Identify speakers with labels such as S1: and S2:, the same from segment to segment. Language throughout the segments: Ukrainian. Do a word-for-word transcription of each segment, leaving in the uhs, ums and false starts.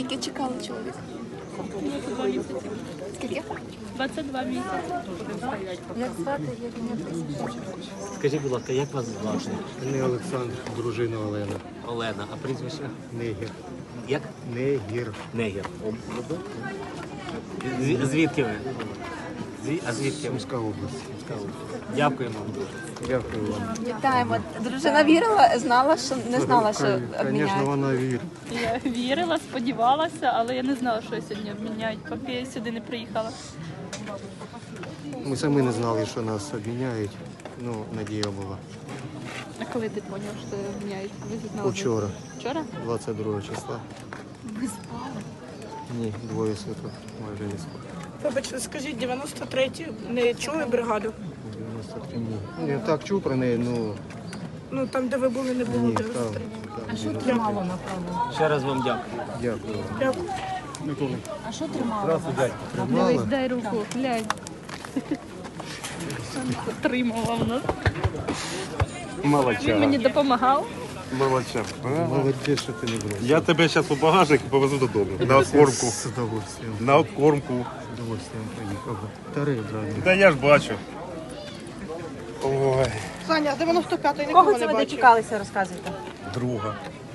S1: Скільки чекали чоловік?
S2: двадцять два місяці.
S1: Скільки?
S2: двадцять два місяці.
S1: Як звати, як ім'я?
S3: Скажіть, будь ласка, як вас звати?
S4: Не Олександр, дружина Олена.
S3: Олена, а прізвище?
S4: Негір.
S3: Як?
S4: Негір.
S3: Негір. Зв- Звідки ви? Зві- А звідки ви?
S4: Сумська область.
S3: Дякуємо вам дуже.
S4: Дякую вам.
S1: Вітаємо. Дружина вірила, знала, що не знала, що
S4: Звісно,
S1: обміняють.
S4: вона вірить.
S2: Я вірила, сподівалася, але я не знала, що я сьогодні обміняють, поки я сюди не приїхала.
S4: Ми самі не знали, що нас обміняють. Ну, надія була.
S2: А коли ти зрозумів, що обміняють? Ви знали?
S4: Учора,
S2: Вчора?
S4: двадцять другого числа.
S1: Ви спали?
S4: Ні, двоє суток майже не спав.
S5: Вибачте, скажіть, дев'яносто третю не чули бригаду?
S4: дев'яносто три ні. Ну, я так чув про неї, ну
S5: Ну там, де ви були, не було
S4: ні,
S5: дев'яносто
S4: там.
S5: три.
S4: там
S1: Що
S4: ні.
S1: тримало, напевно?
S3: Ще раз вам дякую.
S4: Дякую вам.
S5: Дякую.
S1: А що тримало?
S2: Дивись,
S4: Тримала?
S2: дай руку, глянь. Отримала в нас. Він мені допомагав.
S6: Молодча.
S4: Молодець, що ти не бросив.
S6: Я тебе зараз у багажник і повезу додому. На откормку.
S4: З удовольствием.
S6: На откормку.
S4: З удовольствием поїхав. Тарий, брат.
S6: Та я ж бачу. Ой,
S5: Саня, дев'яносто п'ятий нікого
S7: Кого
S5: не
S7: це ви
S5: бачив.
S7: дочекалися, розказуйте?
S6: друга.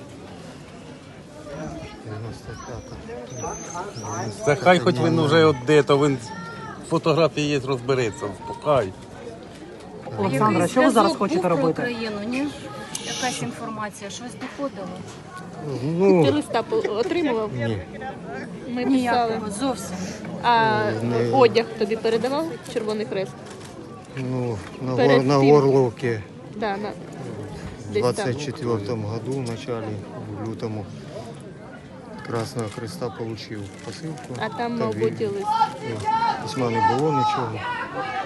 S4: дев'яносто п'ята.
S6: Та хай хоч він вже от де, то він фотографії є, розбереться. Хай.
S7: Олександра, що ви зараз хочете робити?
S8: Україну, ні? Якась інформація, щось доходило?
S2: Ти
S4: Ну,
S2: листа по- отримував?
S4: ні.
S2: Ми писали.
S8: Ніякого, зовсім.
S2: А
S4: Не-
S2: одяг тобі передавав Червоний Хрест?
S4: Ну, на,
S2: Перед
S4: гор, на
S2: тим.
S4: Горловці
S2: Да, на...
S4: в
S2: десь там.
S4: двадцать четвертом году, в начале, в лютому, Красного Христа получил посилку.
S2: А там,
S4: Та
S2: мабуть, і
S4: він-
S2: лист.
S4: Письма не було нічого.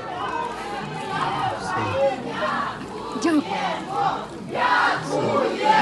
S4: Все.
S1: Дякую.